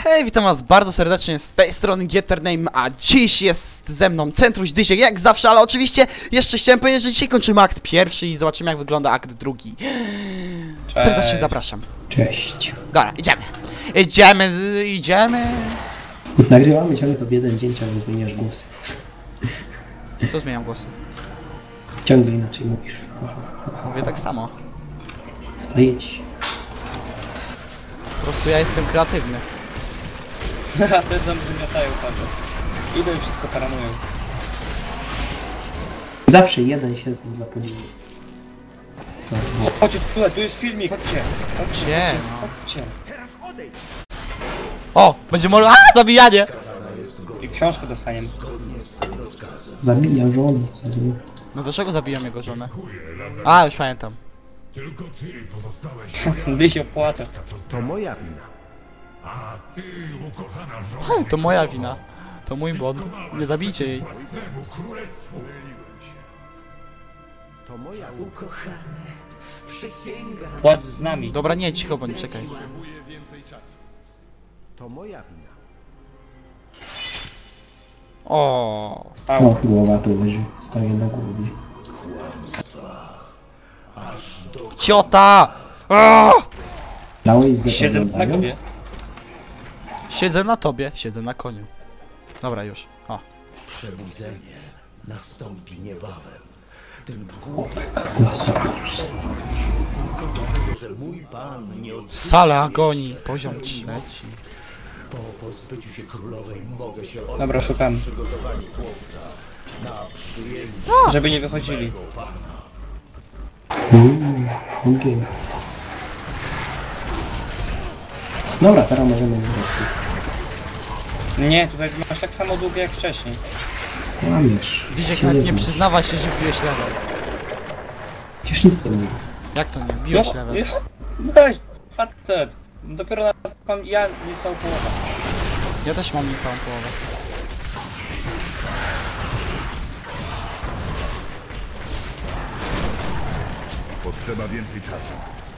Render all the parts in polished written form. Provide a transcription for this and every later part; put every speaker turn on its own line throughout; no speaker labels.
Hej, witam was bardzo serdecznie z tej strony Gettername, a dziś jest ze mną Centruś Dyziek jak zawsze, ale oczywiście jeszcze chciałem powiedzieć, że dzisiaj kończymy akt pierwszy i zobaczymy jak wygląda akt drugi.
Cześć.
Serdecznie zapraszam.
Cześć.
Dobra, idziemy.
Nagrywamy ciągle to w jeden dzień, ciągle zmieniasz głosy.
Co zmieniam głosy?
Ciągle inaczej mówisz.
Mówię tak samo.
Staje ci.
Po prostu ja jestem kreatywny.
Haha, te zombie wymiotają patrzę. Idą i wszystko paranują.
Zawsze jeden się z nim zapodzieli.
Chodźcie tu jest filmik, chodźcie.
Gdzie?
Chodźcie.
O, będzie może... zabijanie!
I książkę dostaniemy.
Zabija żonę.
No dlaczego zabijam jego żonę? A, już pamiętam.
Tylko ty pozostałeś.
Dysio płacze.
To moja wina.
A ty, ukochana żona,
To moja wina. To mój błąd. Nie zabijcie jej.
własnemu królestwu.
To moja wina.
Płacz z nami.
Dobra, nie, cicho bądź, czekaj.
To moja wina.
O.
Au.
O, głowa tu leży. Stoję na głowie.
Ciota! O!
Dałeś z
Siedzę na głowie.
Siedzę na tobie, siedzę na koniu. Dobra, już. O.
Przebudzenie nastąpi niebawem. Że mój pan nie od...
Sala agonii, poziom 3.
Po pozbyciu się królowej mogę się oddać
Dobra, szukam.
przygotowaniu chłopca na przyjęcie
Żeby nie wychodzili.
Ogień. Dobra, teraz możemy zbrać wszystko.
Nie, tutaj masz tak samo długie jak wcześniej.
Łamiesz.
Dzieciak
Się
nawet nie
znasz.
przyznawa się, że biłeś level.
Przecież nic to nie mówi.
Jak to nie? Biłeś level.
No weź, facet. Dopiero mam ja niecałą połowę.
Ja też mam niecałą połowę.
Potrzeba więcej czasu.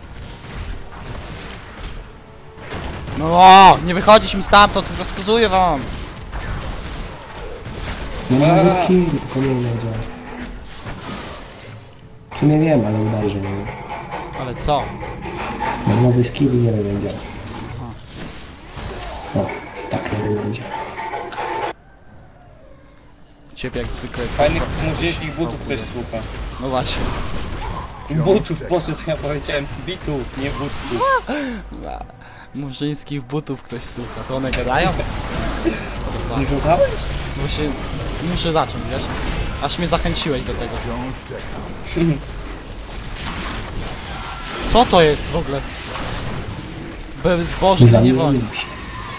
No o, nie wychodzić mi stamtąd, rozkazuję wam.
No mam skill, tylko nie wiem jak działa. W sumie wiem, ale udaje, że nie wiem.
Ale co?
Mam nowy skill i nie wiem jak działa. O, tak nie wiem jak działa.
Ciebie jak zwykle.
Fajnych muzycznych butów ktoś słucha.
No właśnie.
Butów, po co ja powiedziałem? Bitów, nie butów.
Murzyńskich butów ktoś słucha. To one gadają?
Nie słuchałeś?
Właśnie muszę zacząć, wiesz? Aż mnie zachęciłeś do tego. Co to jest w ogóle? Bezbożny niewolnik.
Zamienił się.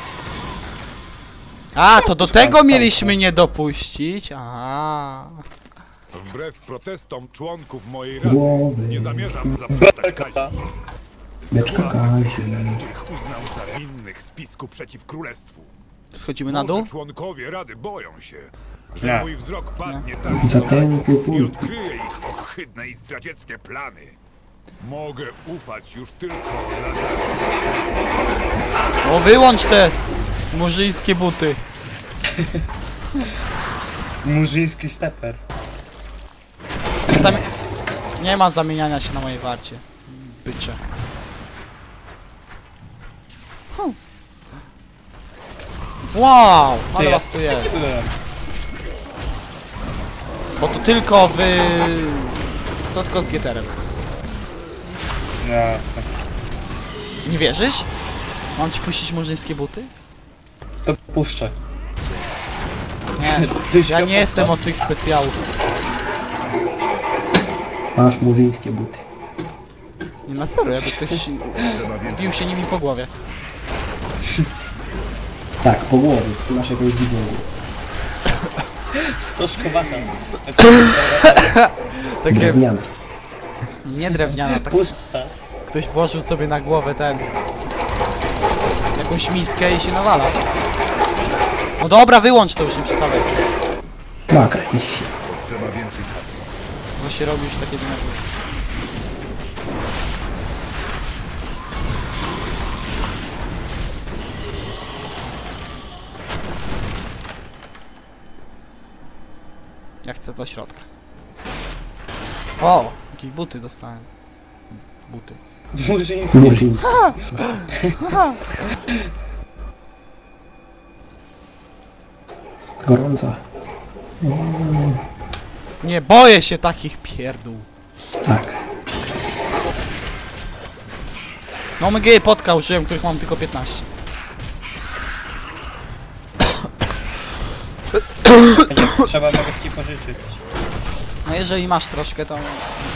A, to do tego mieliśmy nie dopuścić. Aha.
Wbrew protestom członków mojej rady
Głowy.
nie zamierzam zaprzestać kazi,
Beczka Kazi.
których uznał za winnych spisku przeciw królestwu.
Schodzimy na dół?
Może członkowie rady boją się, że
Nie.
mój wzrok padnie tak
Zatękły
i
punkt.
odkryje ich ohydne i zdradzieckie plany. Mogę ufać już tylko Lazarus.
O, wyłącz te murzyńskie buty.
Murzyński steper.
Nie ma zamieniania się na mojej warcie. Bycze. Wow, ale was tu jest.
Byłem.
Bo to tylko wy... To tylko z Getterem.
Jasne.
Nie wierzysz? Mam ci puścić murzyńskie buty?
To puszczę.
Nie,
Dysio,
ja nie jestem od tych specjałów.
Masz murzyńskie buty.
Nie, na serio, jakby ktoś bił się nimi po głowie.
Tak, po głowie. Ty masz jakąś dziwną głowę.
Stożkowata.
Takie,
Drewniane.
nie drewniana, tak
Pusta.
ktoś włożył sobie na głowę jakąś miskę i się nawala. No dobra, wyłącz to już, nie przestawaj.
Maka, idź się.
Potrzeba więcej czasu.
Bo się robi już takie denerwujące. chcę do środka. O! Jakieś buty dostałem. Buty.
Murzyński.
Murzyn. Gorąca.
Nie boję się takich pierdół.
Tak.
No my potka użyłem, których mam tylko 15.
Trzeba mogę ci pożyczyć.
No jeżeli masz troszkę, to...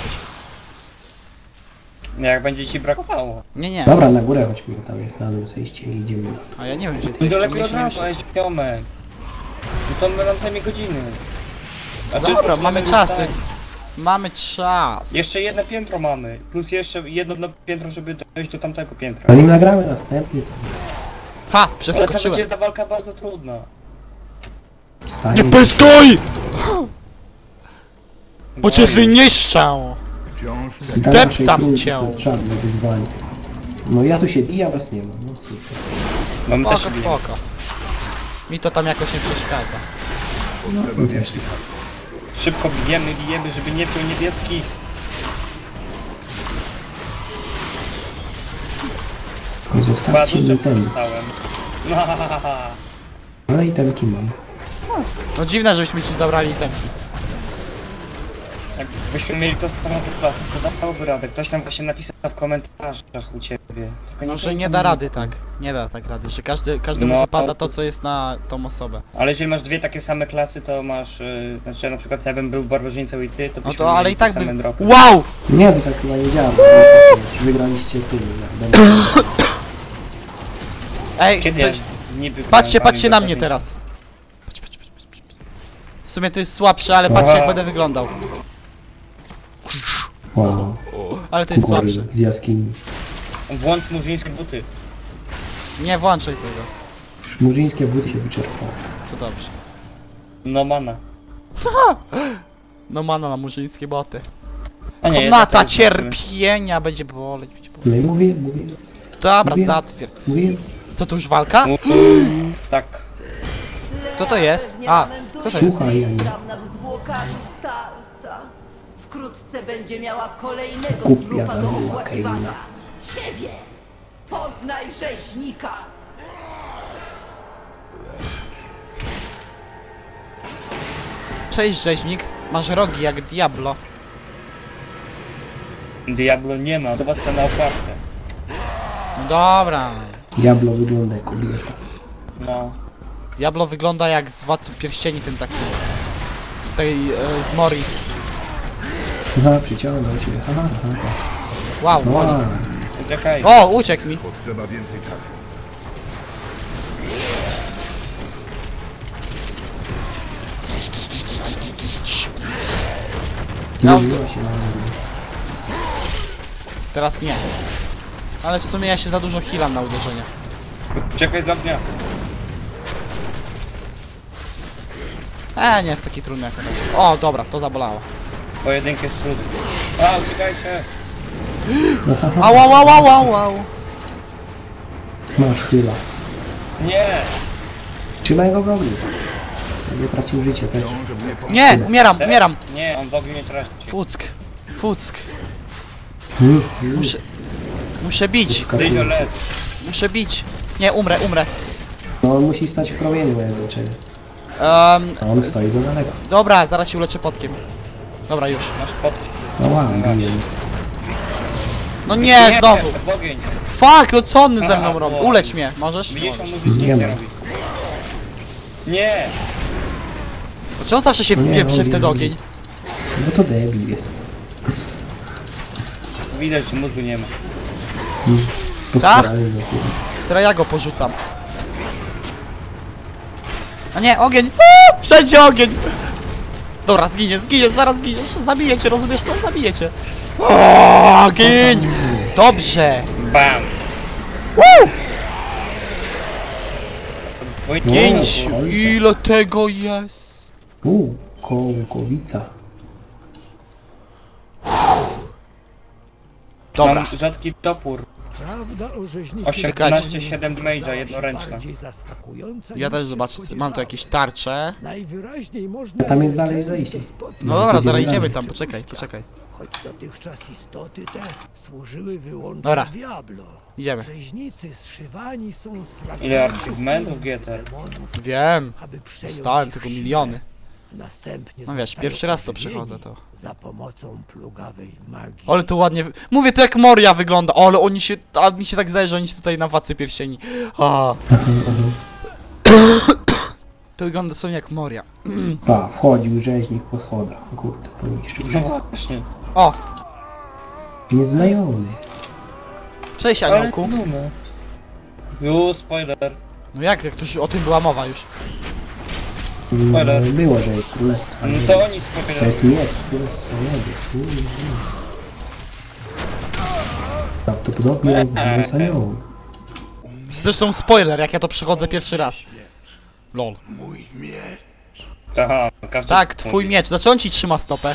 Jak będzie ci brakowało.
Nie.
Dobra, na górę chodźmy, tam jest na dół zejście i idziemy.
A ja nie wiem gdzie
No
jesteś,
to
czy
lepiej od
mnie się
razu,
nie...
a jest ziomek. No to nam zajmie godziny. A tu
Dobra,
już
mamy
możemy
czas.
ustalić.
Mamy czas.
Jeszcze jedno piętro mamy. Plus jeszcze jedno piętro, żeby dojść do tamtego piętra.
Zanim nagramy następny, to
Ha!
Ale to
Przeskoczyłem.
będzie ta walka bardzo trudna.
wstanie.
Nie pyskuj! Bo cię
No i-
wyniszczę!
Wciąż
Dla
Deptam
naszej trójki
cię.
to żadne wyzwanie. No ja tu się biję, a was nie ma. No cóż.
Mamy też
Spoko,
bijemy.
spoko. Mi to tam jakoś nie przeszkadza.
potrzeba więcej czasu.
Szybko bijemy, żeby nie wziął niebieski.
Nie
Dwa
zostawcie
duże
mi ten.
podstałem.
No i temki mam.
No dziwne, żebyśmy ci zabrali temki.
Jakbyśmy mieli to samo klasy, co dałoby radę? Ktoś tam właśnie napisał w komentarzach u ciebie. Tylko
No, że
pamiętam.
nie da rady tak. Nie da tak rady, że każdemu
No.
wypada to, co jest na tą osobę.
Ale jeżeli masz dwie takie same klasy, to masz... znaczy na przykład ja bym był barbarzyńcą i ty, to
No
byśmy
to ale
mieli
i tak
te same
by...
dropy.
Wow!
Nie, to tak chyba nie działa. Wygraliście ty.
Ej,
Kiedy ja
coś...
niby...
Patrzcie na mnie
barbarzyńcą?
teraz. Patrz. W sumie to jest słabsze, ale patrzcie jak
Wow.
będę wyglądał.
Wow.
Ale to jest
Gory
słabsze.
z jaskini.
Włącz murzyńskie buty.
Nie włączaj tego.
Już murzyńskie buty się wyczerpały.
To dobrze.
No mana.
No mana na murzyńskie boty.
A nie,
Komnata
jednak
cierpienia będzie boleć.
No i mówię.
Dobra,
Mówię.
zatwierdź.
Mówię.
Co to już walka?
Tak.
Kto to jest? A, kto to jest?
Słuchaj, Aniu.
Tam nad zwłokami starca. Wkrótce będzie miała kolejnego
Głupia
trupa do
zabiła
opłakiwania.
Keina.
Ciebie! Poznaj rzeźnika!
Cześć rzeźnik. Masz rogi jak Diablo.
Diablo nie ma. Zobacz co na okładkę.
No dobra.
Diablo wygląda jak kobieta.
No.
Diablo wygląda jak z Władców Pierścieni, ten taki... Z tej... z Mori.
Aha, przyciągnął cię. Aha.
Wow,
No,
boli.
Czekaj.
O, uciekł mi.
Potrzeba więcej czasu.
No.
Zbliżyła się na mnie.
Teraz nie. Ale w sumie ja się za dużo healam na uderzenie.
Czekaj z ognia.
Nie jest taki trudny jak to. O, dobra, to zabolało.
Pojedynki jest trudny. A, uciekaj się.
Au.
Masz chwila.
Nie.
Trzymaj go w ogniu. Nie tracił życia też.
Nie, umieram.
Nie, on w ogniu nie traci.
Fuck. Muszę bić.
Dyzio lecz.
Muszę bić. Nie, umrę.
No on musi stać w promieniu jak leczenie. A on stoi za daleko.
Dobra, zaraz się uleczę potkiem. Dobra, już.
Masz potki.
No ładnie.
No nie, znowu.
W ogień.
Fuck, no co on ze
Aha,
mną robi?
bo-
Ulecz mnie, możesz?
Widzisz, on
Możesz.
może nic
Nie
nie
ma.
robi. Nie.
Dlaczego on zawsze się
No nie,
wpieprzy w
no,
ten
nie.
ogień?
No to debil jest.
Widać, że mózgu nie ma.
Postarali go kurwa.
Teraz ja go porzucam. A nie, ogień! Uuu, wszędzie ogień! Dobra, zginiesz, zaraz zginiesz. Zabiję cię, rozumiesz to? Zabiję cię. O, ogień! Dobrze!
Bam. Wójt,
Pięć!
ojca.
Ile tego jest?
Kołkowica.
Dobra.
Mam rzadki topór.
Prawda o rzeźniku
18-7 damage'a, jednoręczna.
bardziej zaskakująca
Ja
niż
też
się
zobaczę, mam tu
spodziewałem.
jakieś tarcze.
Najwyraźniej można
A tam jest
je
dalej
często
zejście.
spotkać.
No dobra, zaraz
idziemy
idziemy
dalej.
tam, poczekaj.
Choć dotychczas istoty te służyły wyłącznie
Dobra.
Diablo.
Idziemy.
Rzeźnicy zszywani są z fragmentów
Ile achievementów GT?
demonów,
Wiem.
aby przejąć
Dostałem
ich
tego
siłę.
miliony.
Następnie
No wiesz,
zostają
pierwszy raz to
ożywieni
przechodzę, to.
za pomocą plugawej magii.
Ale to ładnie... Mówię, to jak Moria wygląda, ale oni się... A mi się tak zdaje, że oni się tutaj na Władcy Pierścieni. A. To wygląda są jak Moria.
Pa, wchodził rzeźnik po schodach. Kurde, poniszczył
No
wszystko.
właśnie.
O!
Nieznajomy.
Cześć,
Ale
Aniołku.
no. Już, spoiler.
No jak to już o tym była mowa już.
Spoiler.
Było, że jest królestwo.
No to oni
To
spoiler.
jest miecz, królestwo niebie. Prawdopodobnie jest aniołem.
Zresztą spoiler, jak ja to przechodzę pierwszy raz. Lol.
Mój miecz.
Aha, każdy
Tak, twój miecz. Dlaczego on ci trzyma stopę?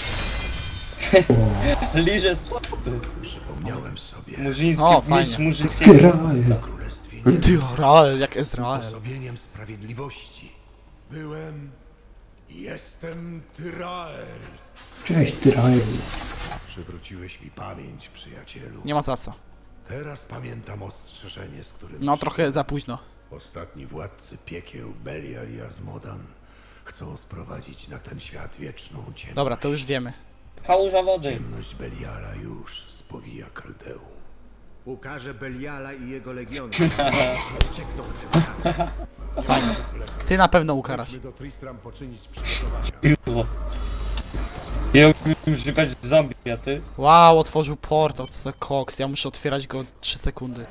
Liże stopy.
Przypomniałem sobie.
Murzyński,
O,
mistrz
fajnie.
murzyńskiego.
Tyrael.
Królestwie
Ty, Rael, jak Ezrael.
osobieniem sprawiedliwości. Byłem... Jestem Tyrael.
Cześć, Tyrael.
Przywróciłeś mi pamięć, przyjacielu.
Nie ma za co.
Teraz pamiętam ostrzeżenie, z którym...
No trochę za późno.
Ostatni władcy piekieł, Belial i Azmodan, chcą sprowadzić na ten świat wieczną ciemność.
Dobra, to już wiemy.
Kałuża wody.
Ciemność Beliala już spowija Kaldeum.
Ukaże Beliala i jego legiony. Uciekną przed nami.
Fajnie. Ty na pewno ukarasz.
Chodźmy do Tristram poczynić przygotowania.
Piło. Ja umiem szukać zombie, a ty?
Wow, otworzył portal, co za koks. Ja muszę otwierać go 3 sekundy.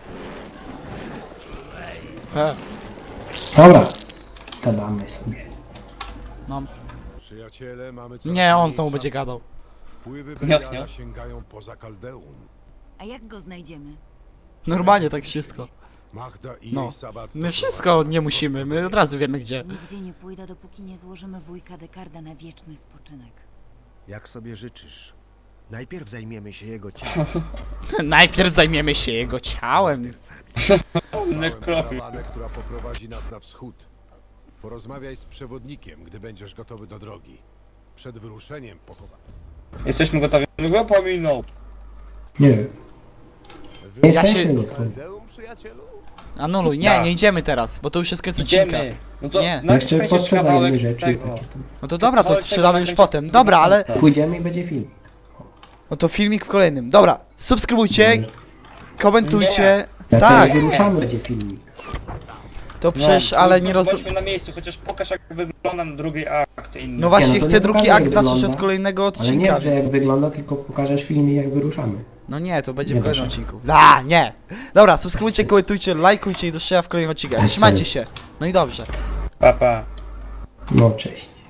Dobra. Gadamy sobie.
No.
Przyjaciele, mamy coraz
Nie, on
mniej
znowu będzie
czasu.
gadał.
Wpływy
Nie.
Beliala sięgają poza Kaldeum.
A jak go znajdziemy?
Normalnie tak wszystko.
Magda i
No.
jej Sabat
My wszystko nie musimy, my od razu wiemy gdzie.
Nigdzie nie pójdę, dopóki nie złożymy wujka Dekarda na wieczny spoczynek.
Jak sobie życzysz. Najpierw zajmiemy się jego ciałem.
Najpierw zajmiemy się jego ciałem.
Mordercami.
karawanę, która poprowadzi nas na wschód. Porozmawiaj z przewodnikiem, gdy będziesz gotowy do drogi. Przed wyruszeniem pochowa.
Jesteśmy gotowi. No go pominął.
Nie wiem. Nie jesteśmy
się-
gotowi.
Kaldeum, przyjacielu?
Anuluj, nie idziemy teraz, bo to już jest koniec odcinka.
Idziemy. No to
Nie.
No jeszcze
naciśnijcie
posprzedajemy
kawałek
rzeczy.
tego.
Takie.
No to dobra, to
Kawałek
sprzedamy
tego
już
nakręci-
potem. Dobra, ale...
Pójdziemy i będzie film.
No to filmik w kolejnym. Dobra, subskrybujcie, komentujcie.
Jak
Tak,
wyruszamy, będzie filmik.
to przecież, ale nie rozumiem.
Bądźmy na miejscu, chociaż pokaż jak wygląda na drugi akt inny.
No właśnie,
Nie, no to
chcę
nie
drugi
pokażę,
akt
jak
zacząć
wygląda.
od kolejnego
Ale
odcinka.
nie, że jak wygląda, tylko pokażesz filmie, jak wyruszamy.
No nie, to będzie w
Nie
kolejnym
proszę.
odcinku. Nie! Dobra, subskrybujcie, komentujcie, lajkujcie i do zobaczenia w kolejnym odcinku. Trzymajcie się. No i dobrze.
Pa, pa.
No, cześć.